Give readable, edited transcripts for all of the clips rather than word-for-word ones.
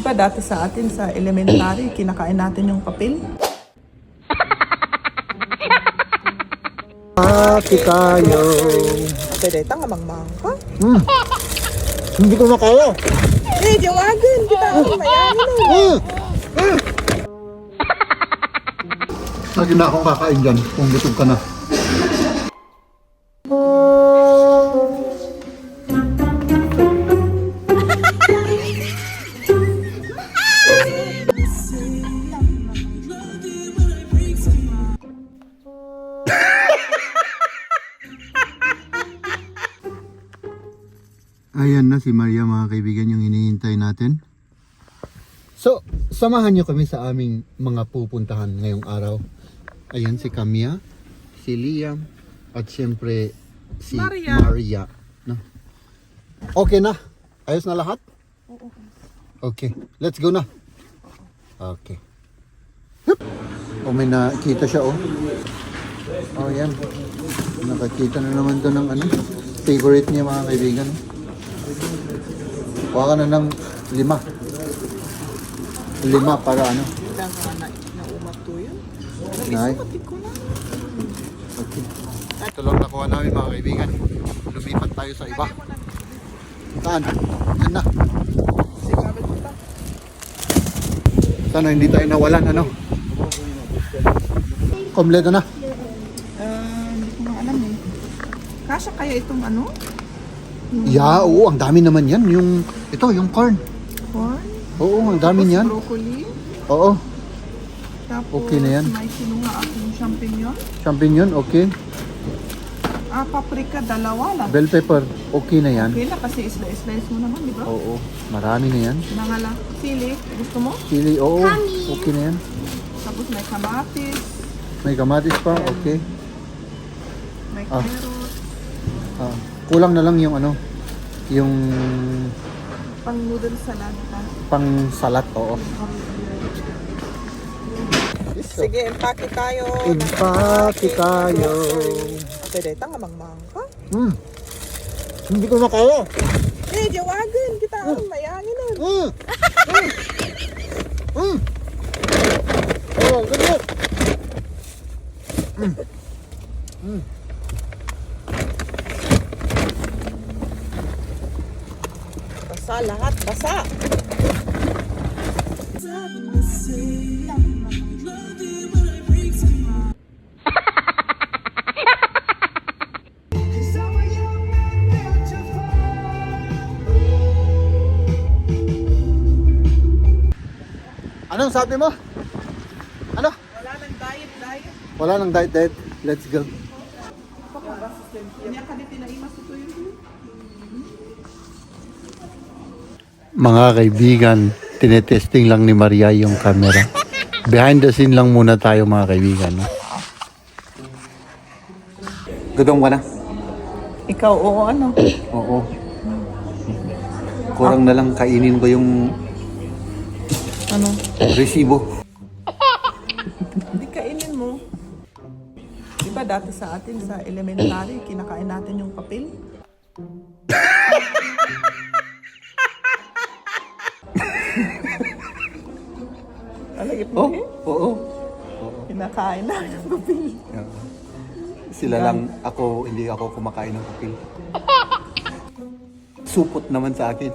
ba dati sa atin sa elementary, kinakain natin yung papel? Pati tayo. Pwede tang amang-mang ka? Hindi ko makaya. Jawagan! Kita ako mayami na. Lagi na akong kakain dyan kung gutom ka na. Ayan na si Maria, mga kaibigan, yung hinihintay natin. So, samahan nyo kami sa aming mga pupuntahan ngayong araw. Ayan si Camilla, si Liam, at siyempre si Maria. No? Okay na? Ayos na lahat? Oo. Okay, let's go na. Okay. Hup! Oh, may nakita siya, oh. Oh, yan. Nakakita na naman to ng ano, favorite niya, mga kaibigan. Kuha ka na ng 5. 5 para ano? Naumat to yun. Nay. Sumatik ko na. Okay. Ito lang nakuha namin, mga kaibigan. Lumipat tayo sa iba. Saan? Yan na. Sana hindi tayo nawalan, ano? Kompleto na. Hindi ko nga alam eh. Kasya kaya itong ano? Yeah, oo, ang dami naman yan. Ito, yung corn. Corn? Oo, ang dami niyan. Broccoli. Oo, Tapos Okay na yan. may kinuha akong champignon. champignon, okay. Paprika, 2 lang. Bell pepper, okay na yan. Okay na kasi slice mo naman, di ba? Oo, marami na yan. Nangala. Sili, gusto mo? Chili, oo, okay na yan. Tapos may kamatis, May kamatis pa, okay. may Ah. carrot, Kulang na lang yung ano, yung pang noodle salad pa. pang salat, oo. Sige, empake tayo. Empake tayo. Pwede tang amang-mang ka? Hindi ko makaya. Jawagan! Kita ako mayami na. Oh, ganyan. Basa lahat, basa. Anong sabi mo? Ano? Wala nang diet. Wala nang diet. Let's go. Kanya ka din tinaimas ito yun. Mga kaibigan, tinetesting lang ni Maria yung camera. Behind the scene lang muna tayo, mga kaibigan. No? Gutom ka na? Ikaw, oo ano? Oo. Kurang na lang kainin ko yung Ano? resibo. Hindi kainin mo. Di ba dati sa atin sa elementary, kinakain natin yung papel? Alagip mo Oo. Kinakain natin yung papel. Sila lang, hindi ako kumakain ng kapil. Supot naman sa akin.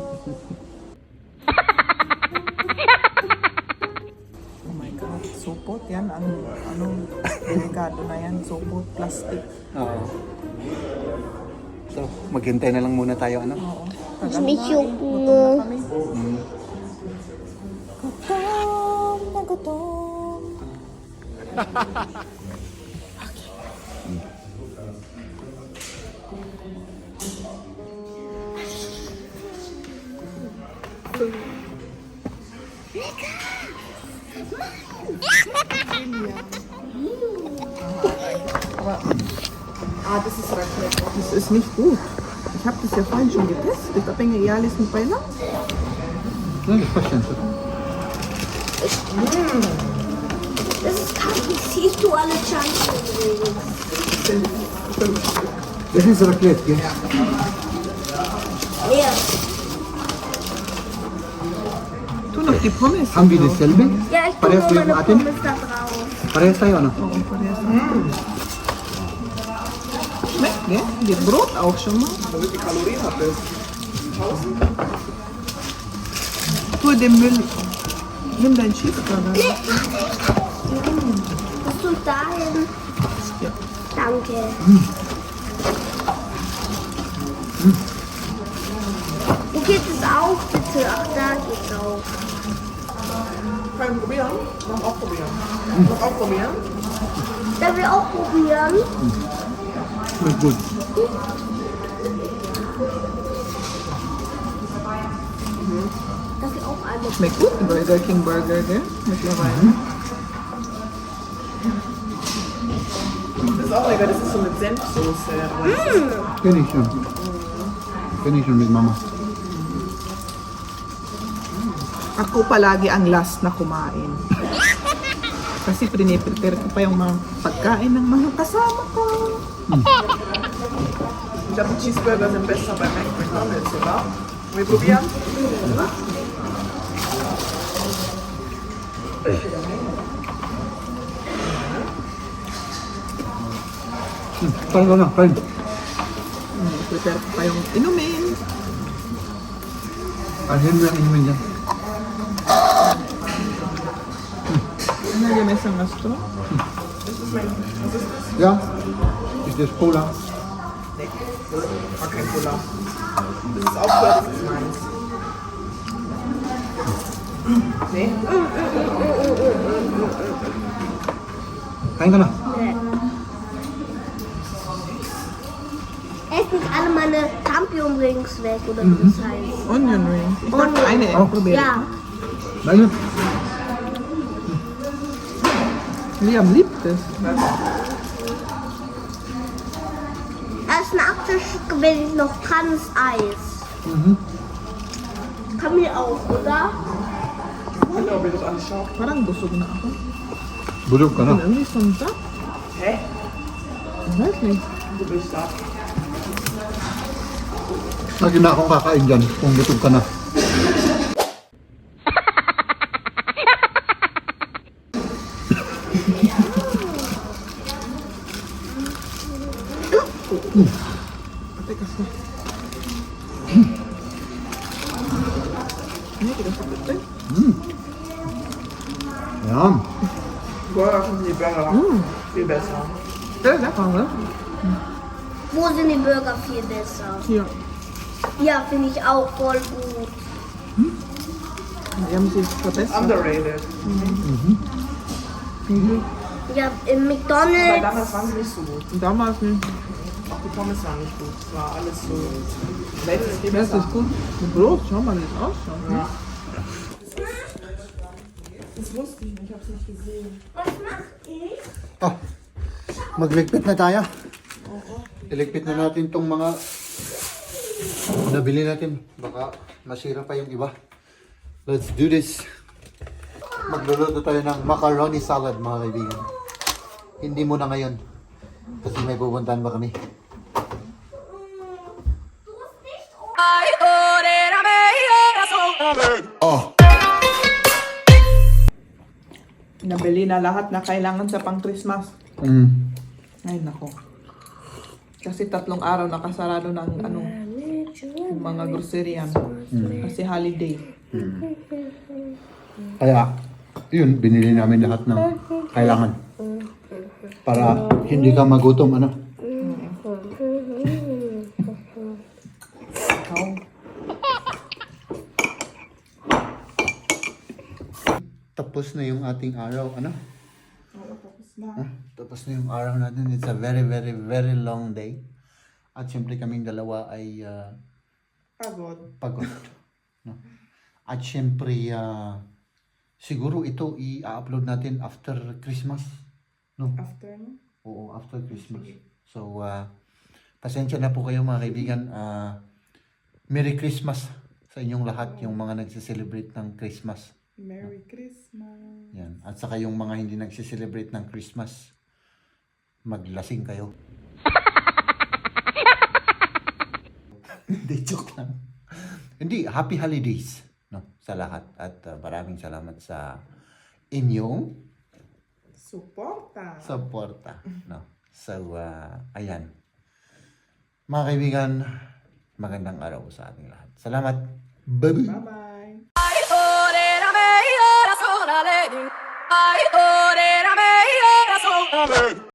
Oh my God, supot yan. Anong delikado na yan? Supot, plastic. Oo. So, maghintay na lang muna tayo, ano? Oo. May syok Gutom na. na kami. Gutom na gutom. Das ist Raclette. Das ist nicht gut. Ich habe das ja vorhin schon getestet. Da bin ich ehrlich mit bei lang. Das ist kacke. Siehst du alle Chancen? Das ist Raclette, gell? Ja. die Pommes. Haben wir dasselbe? Ja, ich tue Parehas nur ba yung meine atin? Pommes da drauf. Parehas tayo, ano? Oh, parehas. Schmeckt, ne? Die Brot auch schon mal. Wie viel Kalorien hat das? 1000? Tu den Müll. Nimm deinen Cheeseburger. Musst du dahin? Ja. Danke. Wo geht es auch, bitte? Ach, da geht's auch. Kann ich probieren? Noch auch probieren. Noch auch probieren? Da will auch probieren. Schmeckt gut. Das will auch einmal. Schmeckt gut, ein Burger King Burger, gell? Mittlerweile. Das ist auch lecker, das ist so mit Senfsoße. Kenn ich schon. Kenn ich schon mit Mama. Ako palagi ang last na kumain. Kasi prepare ko pa yung mga pagkain ng mga kasama ko. Ich glaube, die Cheeseburger sind besser bei McDonald's, oder? Wir probieren? Kain ka na, kain. Prepare ko pa yung inumin. Kain mo yung inumin dyan. Ano yung isang astro? Ja? Ist das Cola? Nee, war kein Cola. Das ist auch Cola, das ist meins. Nee? Kain ka na. Ess nicht alle meine Champion-Rings weg, oder wie das heißt. Onion rings. Ich Onion. dachte eine Oh. probieren. Ja. Meine? Liam liebt es. Als Nachtisch wenn ich noch kann, ist Eis. Kann mir auch, oder? Ich weiß nicht, ob ihr das anschaut. Parang busog na ako. Bulog ka na. Und irgendwie so ein Sack. Hä? Ich weiß nicht. Du bist satt. Lagi na akong kakain dyan kung gutom ka na. Ate kasi. Nee, das ist bitte. Ayan. Burger sind die Burger viel besser. Ja, lecker, ne? Wo sind die Burger viel besser? Hier. Ja, finde ich auch voll gut. Die haben sich verbessert. Underrated. Ja, im Weil McDonald's. damals waren sie nicht so gut. Und damals nicht. Auch die Pommes waren nicht gut. Es war alles so. Welt ist viel Das besser. ist gut. Mit Brot, schau mal, wie es ausschaut. Ne? Ja. Das wusste ich nicht, ich hab's nicht gesehen. Was macht ich? Ah, magligpit na tayo. Iligpit na natin tong mga nabili natin. Baka masira pa yung iba. Let's do this. Magluluto tayo ng macaroni salad, mga kaibigan. Hindi muna ngayon. Kasi may pupuntahan ba kami. Nabili na lahat na kailangan sa pang-Christmas. Ay, nako. Kasi 3 araw nakasarado ng yung mga groceryan. Kasi holiday. Kaya, yun, binili namin lahat ng kailangan. Para hindi ka magutom, ano? Ikaw. Tapos na yung ating araw, ano? Tapos na yung araw natin. It's a very, very, very long day. At syempre kaming dalawa ay Pagod. pagod. No? At syempre, siguro ito i-upload natin after Christmas. No? After, no? Oo, after Christmas. So, pasensya na po kayo mga kaibigan. Merry Christmas sa inyong lahat, yung mga nagse-celebrate ng Christmas. Merry Christmas. Yan. At saka yung mga hindi nagse-celebrate ng Christmas, maglasing kayo. Hindi, joke lang. Hindi, happy holidays. no, sa lahat. At maraming salamat sa inyong suporta. No? So, ayan. Mga kaibigan, magandang araw sa ating lahat. Salamat. Bye-bye. Bye-bye. Ay, ore, la me, ora, sola, le, di. Ay, ore, la me, ora, sola, le, di.